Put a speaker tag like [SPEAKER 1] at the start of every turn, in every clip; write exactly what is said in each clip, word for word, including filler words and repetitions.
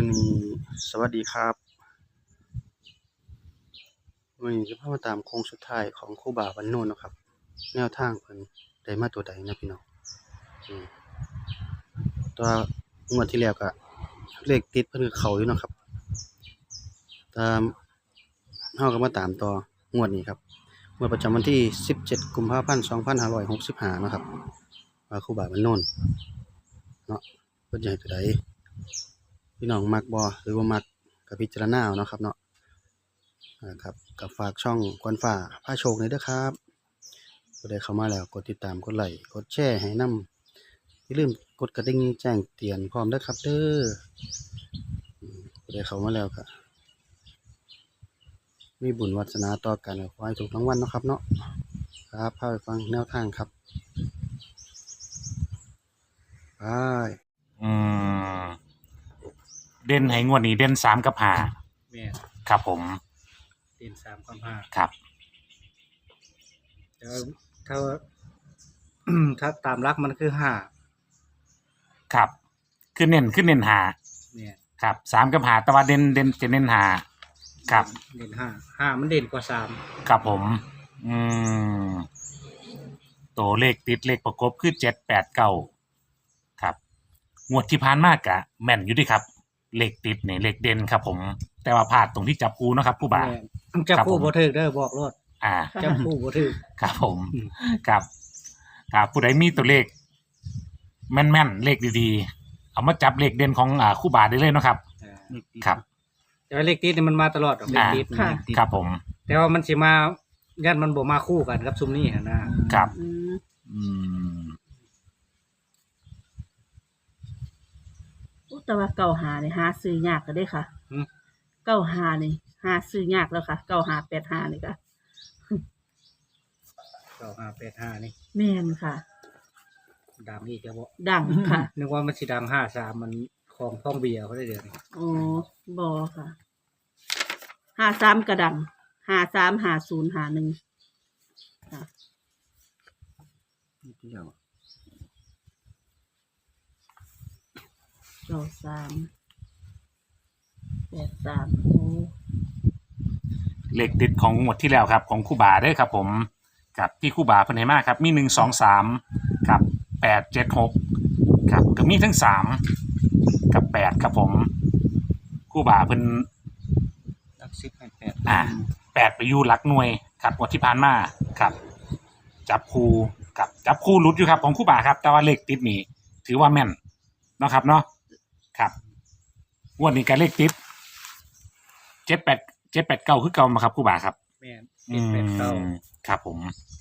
[SPEAKER 1] มื้อนี้สวัสดีครับมื้อนี้จะพามาตามโค้งสุดท้ายของครูบาวันโน้นเนาะครับแนวทางเพิ่นได้มาตัวใดนะพี่น้องอืมแต่ว่างวดที่แล้วก็เลขติดเพิ่นก็เข้าอยู่เนาะครับตามเฮาก็มาตามต่องวดนี้ครับงวดประจำวันที่สิบเจ็ดกุมภาพันธ์สองพันห้าร้อยหกสิบห้าเนาะครับว่าครูบาวันโน้นเนาะเพิ่นจะให้ตัวใดพี่น้องมักบ่หรือบ่มักก็พิจารณาเอาเนาะครับเนาะ อ่าครับกับฝากช่องกวนฟ้าพาโชคเลยเด้อครับผู้ใดเข้ามาแล้วกดติดตามกดไลค์กดแชร์ให้นำอย่าลืมกดกระดิ่งแจ้งเตือนพร้อมเด้อครับเด้ออืมผู้ใดเข้ามาแล้วก็มีบุญวาสนาต่อกันขอให้ถูกรางวัลเนาะครับเนาะครับพาไปฟังแนวทางครับไป
[SPEAKER 2] อืมเด่นให้งวดนี้เด่นสามกับห้า
[SPEAKER 3] แม่น
[SPEAKER 2] ครับผม
[SPEAKER 3] เด่นสามกับห้า
[SPEAKER 2] ครับ
[SPEAKER 3] แต่ว่าถ้า ถ้าตามหลักมันคือห้า
[SPEAKER 2] ครับคือเน้นคือเน้นห้า
[SPEAKER 3] แม่น
[SPEAKER 2] ครับสามกับห้าแต่ว่าเด่นเด่นจะเน้นห้าครับ
[SPEAKER 3] เด่นห้าห้ามันเด่นกว่าสาม
[SPEAKER 2] ครับผมอืมตัวเลขติดเลขประกบคือเจ็ดแปดเก้าครับงวดที่ผ่านมากะแม่นอยู่เดิครับเลขติดนี่เลขเด่นครับผมแต่ว่าพลาดตรงที่จับคู่เนาะครับผู้บ่าว
[SPEAKER 3] แม่นจับคู่บ่ถูกเด้อบอกโลด
[SPEAKER 2] อ่า
[SPEAKER 3] จับคู่บ่ถูก
[SPEAKER 2] ครับผม
[SPEAKER 3] อืม
[SPEAKER 2] ครับครับผู้ใดมีตัวเลขแม่นๆเลขดีๆเอามาจับเลขเด่นของอ่าคู่บ่าวได้เลยเนาะครับ
[SPEAKER 3] อ่า
[SPEAKER 2] ครับ
[SPEAKER 3] แต่ว่าเลขติดนี่มันมาตลอดดอกเลข
[SPEAKER 2] อ่า
[SPEAKER 3] ติดนี่
[SPEAKER 4] ค่ะ
[SPEAKER 2] ครับผม
[SPEAKER 3] แต่ว่ามันสิมาญาติมันบ่มาคู่กันกับซุมนี้หั่นนะครับ
[SPEAKER 4] อืม
[SPEAKER 2] อืม
[SPEAKER 4] อุ๊ยแต่ว่าเก้าหานี่หาซื้อยากก็ได้ค่ะ
[SPEAKER 3] หึ
[SPEAKER 4] เก้าหานี่หาซื้อยากแล้วค่ะเก้าหาแปดหานี่ค่ะ
[SPEAKER 3] เก้าห้าแปดห้านี่
[SPEAKER 4] แม่นค่ะ
[SPEAKER 3] ดังอีกแล้วบ่
[SPEAKER 4] ดังค่ะ
[SPEAKER 3] นึกว่ามันสิดังห้าสามมันของท้องเบียร์เขาได้เดี๋ยวนี้
[SPEAKER 4] อ๋อบอค่ะหาสามกระดังหาสามหาศูนย์หาหนึ่งค่ะเก้าสามแปดสามโอ้
[SPEAKER 2] เลขติดของงวดที่แล้วครับของคู่บาเด้อครับผมกับที่คู่บาเพิ่นให้มาครับมีหนึ่งสองสามกับแปดเจ็ดหกครับก็มีทั้งสามกับแปดครับผมคู่บาเพิ่น
[SPEAKER 3] ตักสิบให้แปด
[SPEAKER 2] อ่าแปดไปอยู่หลักหน่วยครับงวดที่ผ่านมาครับจับคู่กับจับคู่หลุดอยู่ครับของคู่บาครับแต่ว่าเลขติดนี่ถือว่าแม่นเนาะครับเนาะครับงวดนี้ก็เลขติดเจ็ดแปดเจ็ดแปดเก้าคือเก่ามาครับคู่บาครับ
[SPEAKER 3] แม่นเด่นแปดเก้า
[SPEAKER 2] อืมครับผม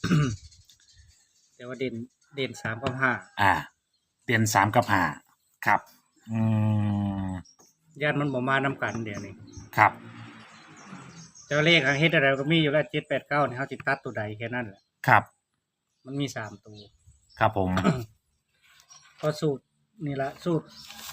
[SPEAKER 3] แต่ว่าเด่นเด่นสามกับห้า
[SPEAKER 2] อ่าเตียนสามกับห้าครับอืม
[SPEAKER 3] ญาติมันบ่มานำกันเดี๋ยวนี้
[SPEAKER 2] ครับ
[SPEAKER 3] แต่ว่าเลขทางเฮ็ดอะไรก็มีอยู่แล้วเจ็ดแปดเก้านี่เฮาสิตัดตัวใดแค่นั้นแหละ
[SPEAKER 2] ครับ
[SPEAKER 3] มันมีสามตัว
[SPEAKER 2] ครับผม
[SPEAKER 3] พอสูตรนี่ละสูตร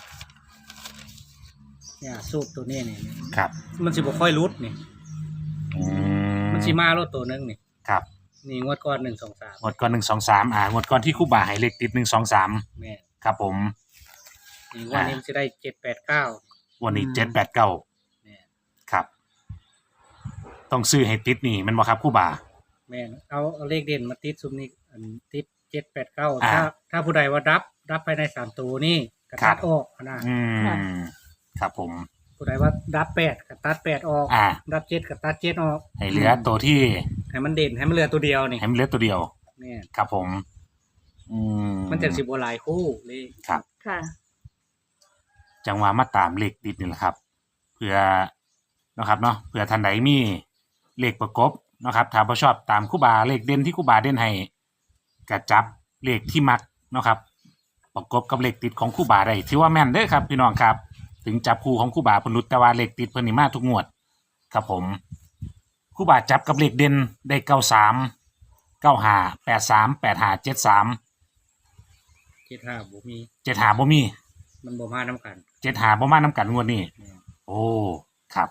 [SPEAKER 3] เนี่ยสูตรตัวนี้นี่
[SPEAKER 2] ครับ
[SPEAKER 3] มันสิบ่ค่อยรุดนี่
[SPEAKER 2] อืม
[SPEAKER 3] มันสิมารถตัวหนึงนี่
[SPEAKER 2] ครับ
[SPEAKER 3] นี่งวดก่อนหนึ่ง สอง สาม
[SPEAKER 2] งวดก่อนหนึ่งสองสามอ่างวดก่อนที่คู่บาให้เลขติดหนึ่งสองสาม
[SPEAKER 3] แม่น
[SPEAKER 2] ครับผม
[SPEAKER 3] นี่งวดนี้มันสิได้เจ็ดแปดเก้า
[SPEAKER 2] วันนี้เจ็ดแปดเก้า
[SPEAKER 3] แม่น
[SPEAKER 2] ครับ ต้องซื้อให้ติดนี่แมันบ่ครับคู่บา
[SPEAKER 3] แม่นเอาเอาเลขเด่นมาติดซุมนี้อันติดเจ็ดแปดเก้า
[SPEAKER 2] อ่า
[SPEAKER 3] ถ้าถ้าผู้ใดว่ารับรับภายในสามตัวนี่ก็
[SPEAKER 2] ครั
[SPEAKER 3] ตั
[SPEAKER 2] บ
[SPEAKER 3] ดออกนะ
[SPEAKER 2] อืมครับผม
[SPEAKER 3] ผู้ใดว่ารับแปดก็ตัดแปดออก
[SPEAKER 2] อ่า
[SPEAKER 3] รับเจ็ดก็ตัดเจ็ดออก
[SPEAKER 2] ให้เหลือตัวที่
[SPEAKER 3] ให้มันเด่นให้มันเหลือตัวเดียวนี่
[SPEAKER 2] ให้มันเหลือตัวเดียว
[SPEAKER 3] แม่น
[SPEAKER 2] ครับผม อืม
[SPEAKER 3] มันจะสิบ่หลายคู่เลย
[SPEAKER 2] ครับ
[SPEAKER 4] ค่ะ
[SPEAKER 2] จังหวะมาตามเลขติดนี่แหละครับเพื่อเนาะครับเนาะเพื่อท่านใดมีเลขประกบเนาะครับถ้าบ่ชอบตามคู่บาเลขเด่นที่คู่บาเด่นให้ก็จับเลขที่มักเนาะครับประกบกับเลขติดของคู่บาได้ถือว่าแม่นเด้อครับพี่น้องครับ ถึงจับคู่ของคู่บาเพิ่นหลุดแต่ว่าเลขติดเพิ่นนี่มาทุกงวดครับผมคู่บาจับกับเลขเด่นได้เก้าสามเก้าห้าแปดสามแปดห้าเจ็ดสาม
[SPEAKER 3] เจ็ดห้าบ่มี
[SPEAKER 2] เจ็ดห้าบ่มี
[SPEAKER 3] มันบ่มานํกัน
[SPEAKER 2] เจ็ดห้าบ่มานํกันงวดนี้
[SPEAKER 3] แม่น
[SPEAKER 2] โอ้ครับ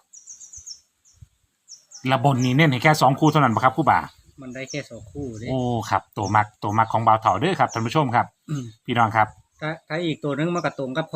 [SPEAKER 2] ระบนนี้เน้นให้แค่สองคู่เท่านั้นปะครับคู่บ่า
[SPEAKER 3] มันได้แค่สองคู่เด้
[SPEAKER 2] โอ้ครับตัวมักตัวมักของบ่าวเถาเด้อครับท่านผู้ชมครับ
[SPEAKER 3] อืม
[SPEAKER 2] พี่น้องครับ
[SPEAKER 3] ถ้าถ้าอีกตัวหนึงมันก็ตรงกับของ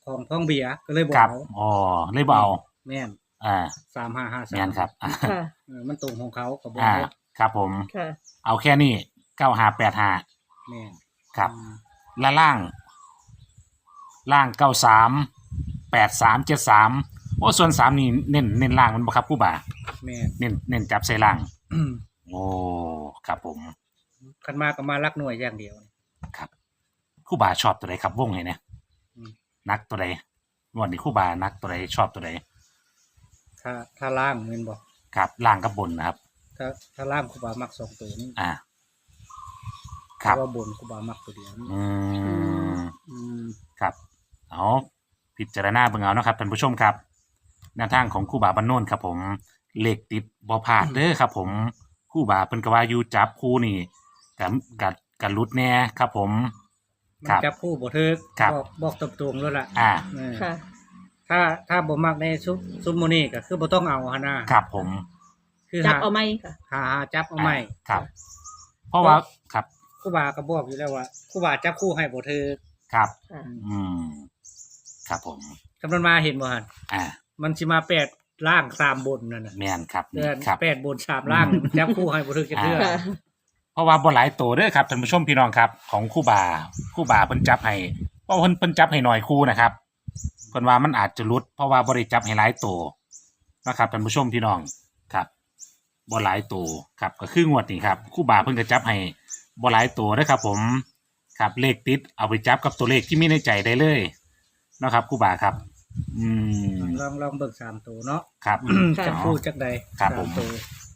[SPEAKER 3] ของท้องเบียร์ก็เลยบอก
[SPEAKER 2] ครับ
[SPEAKER 3] เอา
[SPEAKER 2] อ๋อเลยบ่เอา
[SPEAKER 3] แม่น
[SPEAKER 2] อ่า
[SPEAKER 3] สามห้าห้าสาม
[SPEAKER 2] แม่นครับอ่า
[SPEAKER 4] ค่ะ
[SPEAKER 3] เออมันตรงของเขาก็บอก
[SPEAKER 2] อ่า
[SPEAKER 3] เลย
[SPEAKER 2] ครับผม
[SPEAKER 4] ค่ะ
[SPEAKER 2] เอาแค่นี้เก้าห้าแปดห้า
[SPEAKER 3] แม่น
[SPEAKER 2] ครับ
[SPEAKER 3] อืม
[SPEAKER 2] และล่าง ล่างเก้าสามแปดสามเจ็ดสามโอ้ส่วนสามนี่เน้นเน้นล่างมันบ่ครับครู่บ่า
[SPEAKER 3] แม่น
[SPEAKER 2] เน้นเน้นจับใส่ล่าง
[SPEAKER 3] อืม
[SPEAKER 2] โอ้ครับผม
[SPEAKER 3] คันมาก็มารักหน่วยอย่างเดียว
[SPEAKER 2] ครับครู่บ่าชอบตัวใดครับวงไงเนี่ย
[SPEAKER 3] อืม
[SPEAKER 2] นักตัวใดงวดนี้ครู่บ่านักตัวใดชอบตัวใด
[SPEAKER 3] ถ้าถ้าล่างแม่นบ่
[SPEAKER 2] ครับล่างกับบนนะครับ
[SPEAKER 3] ถ้าถ้าล่างครูบามักสองตัวนี้
[SPEAKER 2] อ่า ครับ
[SPEAKER 3] แต่ว่าบนครูบามักตัวเดียวนี่
[SPEAKER 2] อืม
[SPEAKER 3] อืม
[SPEAKER 2] ครับเอาพิจารณาเบิ่งเอานะครับท่านผู้ชมครับแนวทางของครู่บาบ้านโน่นครับผมเลขติดบ่พลาดเด้อครับผมครู่บาเพิ่นก็ว่าอยู่จับคู่นี่กับกับกับรุดแน่ครับผม
[SPEAKER 3] มั
[SPEAKER 2] คน รับ
[SPEAKER 3] จับคู่บ่ถึก
[SPEAKER 2] ครับ
[SPEAKER 3] บอกบอกตรงๆแล้วล่ะ
[SPEAKER 2] อ่า
[SPEAKER 3] เออ
[SPEAKER 4] ค่ะ
[SPEAKER 3] ถ้าถ้าบ่มักในซุปซุปโมนี่ก็คือบ่ต้องเอาหั่นน่ะ
[SPEAKER 2] ครับผม
[SPEAKER 3] คือ
[SPEAKER 4] จับ
[SPEAKER 3] หา
[SPEAKER 4] เอาไหมค่ะ
[SPEAKER 3] หาหาจับเอาใหม่
[SPEAKER 2] ครับ เพราะว่าครับ
[SPEAKER 3] ครูบาก็บอกอยู่แล้วว่าครูบาจับคู่ให้บ่ถึก
[SPEAKER 2] ครับ
[SPEAKER 4] ค่ะ
[SPEAKER 2] อืมครับผม
[SPEAKER 3] กำลังมาเห็นบ่หั่น
[SPEAKER 2] อ่า
[SPEAKER 3] มันสิมาแปดล่างสามบนนั่นน่ะ
[SPEAKER 2] แม่นครับ
[SPEAKER 3] เดื
[SPEAKER 2] นี่
[SPEAKER 3] อน
[SPEAKER 2] ครับ
[SPEAKER 3] แปดบนสามล่างมันจับคู่ให้บ่ถึกจะเทื่อ
[SPEAKER 4] ค่ะ
[SPEAKER 2] เพราะว่าบ่หลายตัวเด้อครับท่านผู้ชมพี่น้องครับ ของครู่บาครู่บาเพิ่นจับให้เพราะเพิ่นเพิ่นจับให้หน่อยคู่นะครับเพิ่นว่ามันอาจจะหลุด เพราะว่าบ่ได้จับให้หลายตัวนะครับท่านผู้ชมพี่น้องครับบ่หลายตัวครับก็คืองวดนี้ครับครู่บาเพิ่นก็จับให้บ่หลายตัวเด้อครับ ผมครับเลขติดเอาไปจับกับตัวเลขที่มีในใจได้เลยเนาะครับครู่บาครับ อืม
[SPEAKER 3] ลองลองเบิกสามตัวเนาะ
[SPEAKER 2] ครับ
[SPEAKER 3] จับคู่จักใด
[SPEAKER 2] ครับผม
[SPEAKER 3] สามตัว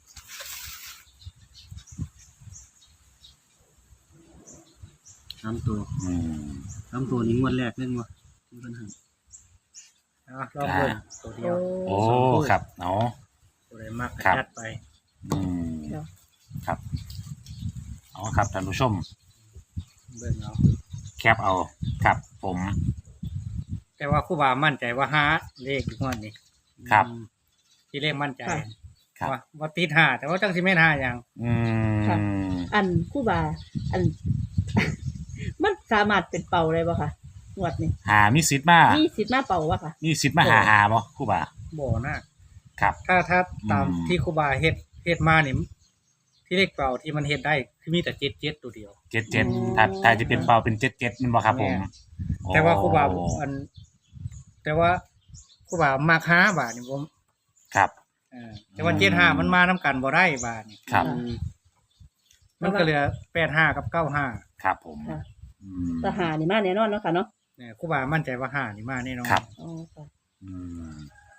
[SPEAKER 1] สามตัว
[SPEAKER 2] อืม
[SPEAKER 1] สามตัวนี้งวดแรกเล่นวะมีปัญหา
[SPEAKER 3] อ่ะลองเบิกตัวเดียว
[SPEAKER 2] โอ้ครับเนาะ
[SPEAKER 3] ตัวใดมัก
[SPEAKER 2] ครับ
[SPEAKER 3] จัดไป
[SPEAKER 2] อืม
[SPEAKER 4] ค่ะ
[SPEAKER 2] ครับเอาครับท่านผู้ชม
[SPEAKER 3] เบิ่งเอา
[SPEAKER 2] แคปเอาครับผม
[SPEAKER 3] แต่ว่าครูบามั่นใจว่าห้าเลขงวดนี้
[SPEAKER 2] ครับ
[SPEAKER 3] ที่เลขมั่นใจ
[SPEAKER 4] ค่ะ
[SPEAKER 2] ครับ
[SPEAKER 3] ว่าว่าติดห้าแต่ว่าจังสิแม่นห้าอย่าง
[SPEAKER 2] อื
[SPEAKER 4] ค่ะ
[SPEAKER 2] ม
[SPEAKER 4] อันคู่บา อัน มันสามารถเป็นเป่าได้บ่ค่ะงวดนี้
[SPEAKER 2] หามีสิทธิ์มา
[SPEAKER 4] มีสิทธิ์มาเป่าวะค่ะ
[SPEAKER 2] มีสิทธิ์มาหาหาบ่ครูบา
[SPEAKER 3] บ่น่า
[SPEAKER 2] ครับ
[SPEAKER 3] ถ้าถ้าตาม
[SPEAKER 2] อืม
[SPEAKER 3] ที่ครูบาเฮ็ดเฮ็ดมานี่ที่เลขเปล่าที่มันเฮ็ดได้คือมีแต่เจ็ดเจ็ดตัวเดียว
[SPEAKER 2] เจ็ดเจ็ด
[SPEAKER 4] อืม
[SPEAKER 2] ถ้าถ้าจะเป็นเป่าเป็นเจ็ดเจ็ดมันบ่ครับผม
[SPEAKER 3] แม่ แต่ว่าครูบา
[SPEAKER 2] โอ้
[SPEAKER 3] อัน แต่ว่าครูบามักห้าบาทนี่ผม
[SPEAKER 2] ครับ
[SPEAKER 3] เออแต่ว่าเจ็ดห้ามันมานํกันบ่ได้บาทนี่
[SPEAKER 2] ครับ
[SPEAKER 4] ค่ะ
[SPEAKER 3] มันก็เหลือแปดห้ากับเก้าห้า
[SPEAKER 2] ครับผม
[SPEAKER 4] ค่ะ
[SPEAKER 2] อืม
[SPEAKER 4] ทหารนี่มาแน่นอนเนาะค่ะเนาะ
[SPEAKER 3] เนี่ยครูบามั่นใจว่าห้านี่มาแน่นอน
[SPEAKER 2] ครับ
[SPEAKER 4] อ๋อค่ะ
[SPEAKER 2] อืม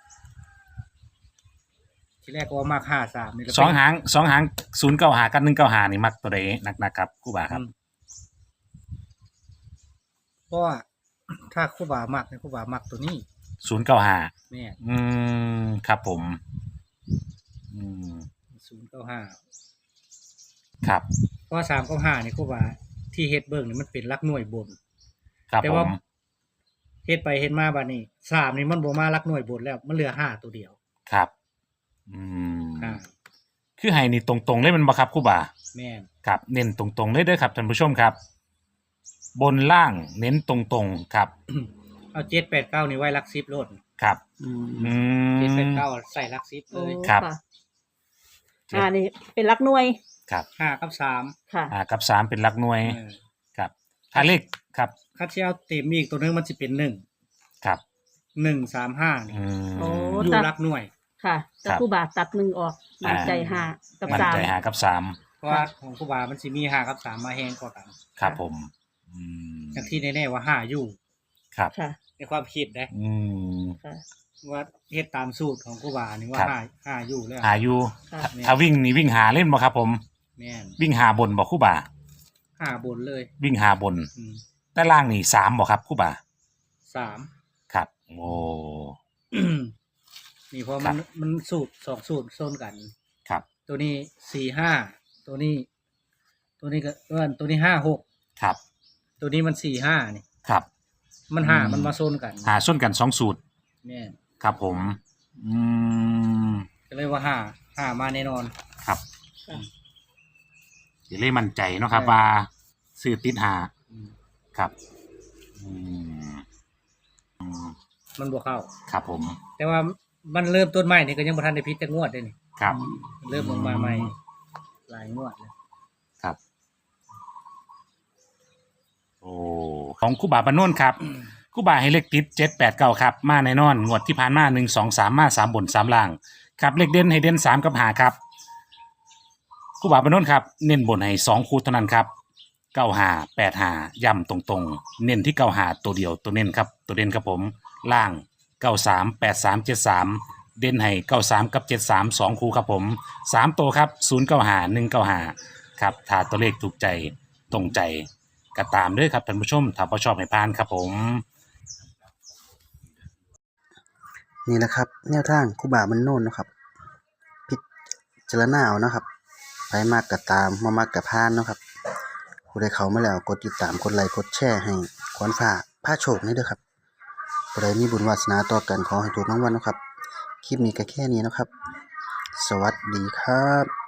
[SPEAKER 3] ทีแรกก็ว่ามักห้าสามนี่ก็เป็น
[SPEAKER 2] สองหางสองหางศูนย์เก้าหากับหนึ่งเก้าหานี่มักตัวใดนักๆครับครูบาครับ
[SPEAKER 3] อืมเพราะว่าถ้าครูบามักเนี่ยครูบามักตัวนี้
[SPEAKER 2] ศูนย์เก้าหา
[SPEAKER 3] แม่
[SPEAKER 2] อืมครับผม อืม
[SPEAKER 3] ศูนย์เก้าห้า
[SPEAKER 2] ครับ
[SPEAKER 3] เพราะว่าสามเก้าห้านี่ครูบาที่เฮ็ดเบิ่งนี่มันเป็นหลักหน่วยบน
[SPEAKER 2] ครับ
[SPEAKER 3] แต่
[SPEAKER 2] ผ
[SPEAKER 3] ว่า
[SPEAKER 2] ม
[SPEAKER 3] เฮ็ดไปเฮ็ดมาบัดนี้สามนี่มันบ่มาหลักหน่วยบนแล้ว มันเหลือห้าตัวเดียว
[SPEAKER 2] ครับ อืม
[SPEAKER 3] อ่า
[SPEAKER 2] คือให้นี่ตรงๆเลยแมันบ่ครับครูบา
[SPEAKER 3] แม่น
[SPEAKER 2] ครับเน้นตรงๆเลยเด้อครับท่านผู้ชมครับ บนล่างเน้นตรงๆครับ
[SPEAKER 3] เอาเจ็ดแปดเก้านี่ไว้หลักสิบโลด
[SPEAKER 2] ครับ
[SPEAKER 1] อืม
[SPEAKER 2] อื
[SPEAKER 3] เจ็ดแปด
[SPEAKER 2] ม
[SPEAKER 3] เก้าใส่หลักสิบเล
[SPEAKER 4] โอ้
[SPEAKER 3] ย
[SPEAKER 2] ครับ
[SPEAKER 4] ค่ะอ่านี่เป็นลักหน่วย
[SPEAKER 2] ครับ
[SPEAKER 3] ห้ากับสาม
[SPEAKER 4] ค่ะ
[SPEAKER 2] อ่ากับสามเป็นหลักหน่วย
[SPEAKER 3] เออ
[SPEAKER 2] ครับถ้าเลขครับ
[SPEAKER 3] คัดเชียวเต็มอีกตัวหนึงมันสิเป็นหนึ่ง
[SPEAKER 2] ครับ
[SPEAKER 3] หนึ่งสามห้านี่
[SPEAKER 2] อืม
[SPEAKER 4] โอ้
[SPEAKER 3] อยู่
[SPEAKER 4] ตัด
[SPEAKER 3] หลักหน่วย
[SPEAKER 4] ค่ะ
[SPEAKER 2] ค
[SPEAKER 4] แต่
[SPEAKER 2] รับ
[SPEAKER 4] คู่บาตัดหนึ่งออก
[SPEAKER 2] อ่า
[SPEAKER 4] มั่นใจห้ากับ
[SPEAKER 2] มัน
[SPEAKER 4] สาม
[SPEAKER 2] ใจหากับสาม
[SPEAKER 3] เพราะว่าของครูบามันสิมีห้ากับสามมาแฮงกว่ากัน
[SPEAKER 2] ครับผม อืม
[SPEAKER 3] อย่างที่แน่ๆว่าห้าอยู่
[SPEAKER 2] ครับ
[SPEAKER 4] ค่ะ
[SPEAKER 3] ในความคิดนะ
[SPEAKER 2] อืม
[SPEAKER 4] ค่ะ
[SPEAKER 3] ว่าเฮ็ดตามสูตรของครูบานี่ว่า
[SPEAKER 2] ครับ
[SPEAKER 3] ห้าห้าอยู่แล้ว
[SPEAKER 2] อายุ
[SPEAKER 4] ค่ะ
[SPEAKER 2] ถ้าวิ่งนี่วิ่งหาเล่นบ่ครับผม
[SPEAKER 3] แม่น
[SPEAKER 2] วิ่งหาบนบ่ครู่บ่า
[SPEAKER 3] ห้าบนเลย
[SPEAKER 2] วิ่งหาบน
[SPEAKER 3] อืม
[SPEAKER 2] แต่ล่างนี่สามบ่ครับครู่บ่า
[SPEAKER 3] สาม
[SPEAKER 2] ครับ โอ้
[SPEAKER 3] นี่เพราะ
[SPEAKER 2] ครั
[SPEAKER 3] มัน
[SPEAKER 2] บ
[SPEAKER 3] มันสูตรสองสูตรโซนกัน
[SPEAKER 2] ครับ
[SPEAKER 3] ตัวนี้สี่ห้าตัวนี้ ตัวนี้ก็เออตัวนี้ห้าหก
[SPEAKER 2] ครับ
[SPEAKER 3] ตัวนี้มันสี่ห้านี่
[SPEAKER 2] ครับ
[SPEAKER 3] มันห้า
[SPEAKER 2] อืม
[SPEAKER 3] มันมาโซนกัน
[SPEAKER 2] หาส้นกันสองสูตร
[SPEAKER 3] แม่น
[SPEAKER 2] ครับผม อืม
[SPEAKER 3] ก็เลยว่าห้าห้ามาแน่นอน
[SPEAKER 2] ครับ
[SPEAKER 4] ค่ะ
[SPEAKER 2] อย่าเลยมั่นใจเนาะครับ
[SPEAKER 3] ใช่
[SPEAKER 2] ว่าซื้อติดหา
[SPEAKER 3] อืม
[SPEAKER 2] ครับ อืมอืม
[SPEAKER 3] มันบ่เข้า
[SPEAKER 2] ครับผม
[SPEAKER 3] แต่ว่ามันเริ่มต้นใหม่นี่ก็ยังบ่ทันได้พิดจักงวดเด้นี่
[SPEAKER 2] ครับ
[SPEAKER 3] เริ่มลงมาใหม่หลายงวดแล้ว
[SPEAKER 2] ครับ โอ้ของครูบาบานโนนครับครูบาให้เลขติดเจ็ดแปดเก้าครับมาแน่นอนงวดที่ผ่านมาหนึ่งสองสามมาสามบนสามล่างครับเลขเด่นให้เด่นสามกับหาครับครูบาบานโนนครับเน้นบนให้สองคู่เท่านั้นครับเก้าหาแปดหาย่ำตรงๆ เน้นที่เก้าหาตัวเดียวตัวเน้นครับตัวเด่นครับผมล่างเก้าสามแปดสามเจ็ดสามเด่นให้เก้าสามกับเจ็ดสามสองคู่ครับผมสามตัวครับศูนย์เก้าหาหนึ่งเก้าหาครับถ้าตัวเลขถูกใจตรงใจก็ตามด้วยครับท่านผู้ชมถ้าพอชอบให้พานครับผม
[SPEAKER 1] นี่แหละครับแนวทางครูบามันโน่นนะครับพิจารณาเอานะครับไปมากกับตามมามากกับพานเนาะครับผู้ใดเข้ามาแล้วกดติดตามกดไลค์กดแชร์ให้ขวัญฟ้าพาโชคนี่เด้อครับผู้ใดมีบุญวาสนาต่อกันขอให้ถูกรางวัลเนาะครับคลิปนี้ก็แค่นี้เนาะครับสวัสดีครับ